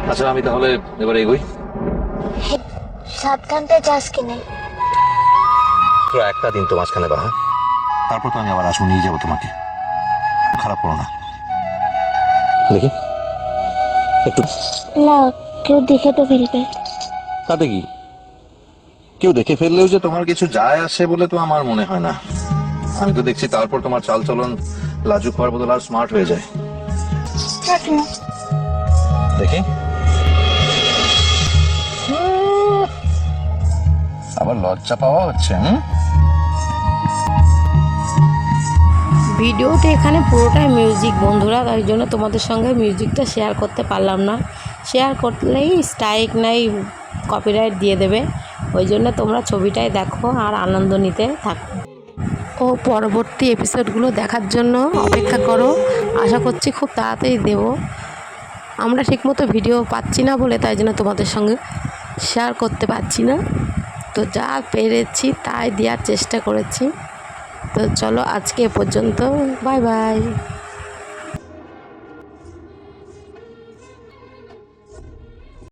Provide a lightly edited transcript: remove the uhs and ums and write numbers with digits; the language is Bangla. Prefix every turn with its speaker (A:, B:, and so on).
A: আচ্ছা আমি তাহলে এবার এগোই।
B: সাবধানটা যাস কিনে।
A: পুরো একটা দিন তো মাঝখানে বা, তারপর তো আমি আবার আসবো, নিয়ে যাবো তোমাকে। খারাপ করো না। দেখি একটু।
B: না, কেউ দেখে তো ফেলবে।
A: তাতে কি, কেউ দেখে ফেললেও যে তোমার কিছু যায় আসে বলে তো আমার মনে হয় না। আমি তো দেখছি তারপর তোমার চাল চলন লাজুক হওয়ার বদল আর স্মার্ট হয়ে যায়।
B: থাক না।
A: দেখি। আবার লজ্জা পাওয়া হচ্ছে।
C: ভিডিওতে এখানে পুরোটাই মিউজিক বন্ধুরা, তাই জন্য তোমাদের সঙ্গে মিউজিকটা শেয়ার করতে পারলাম না। শেয়ার করলেই স্ট্রাইক নাই, কপিরাইট দিয়ে দেবে। ওই জন্য তোমরা ছবিটাই দেখো আর আনন্দ নিতে থাকো ও পরবর্তী এপিসোডগুলো দেখার জন্য অপেক্ষা করো। আশা করছি খুব তাড়াতাড়ি দেব। আমরা ঠিকমতো ভিডিও পাচ্ছি না বলে তাই জন্য তোমাদের সঙ্গে শেয়ার করতে পারছি না। তো যা পেরেছি তাই দেওয়ার চেষ্টা করেছি। তো চলো আজকে এ পর্যন্ত, বাই বাই।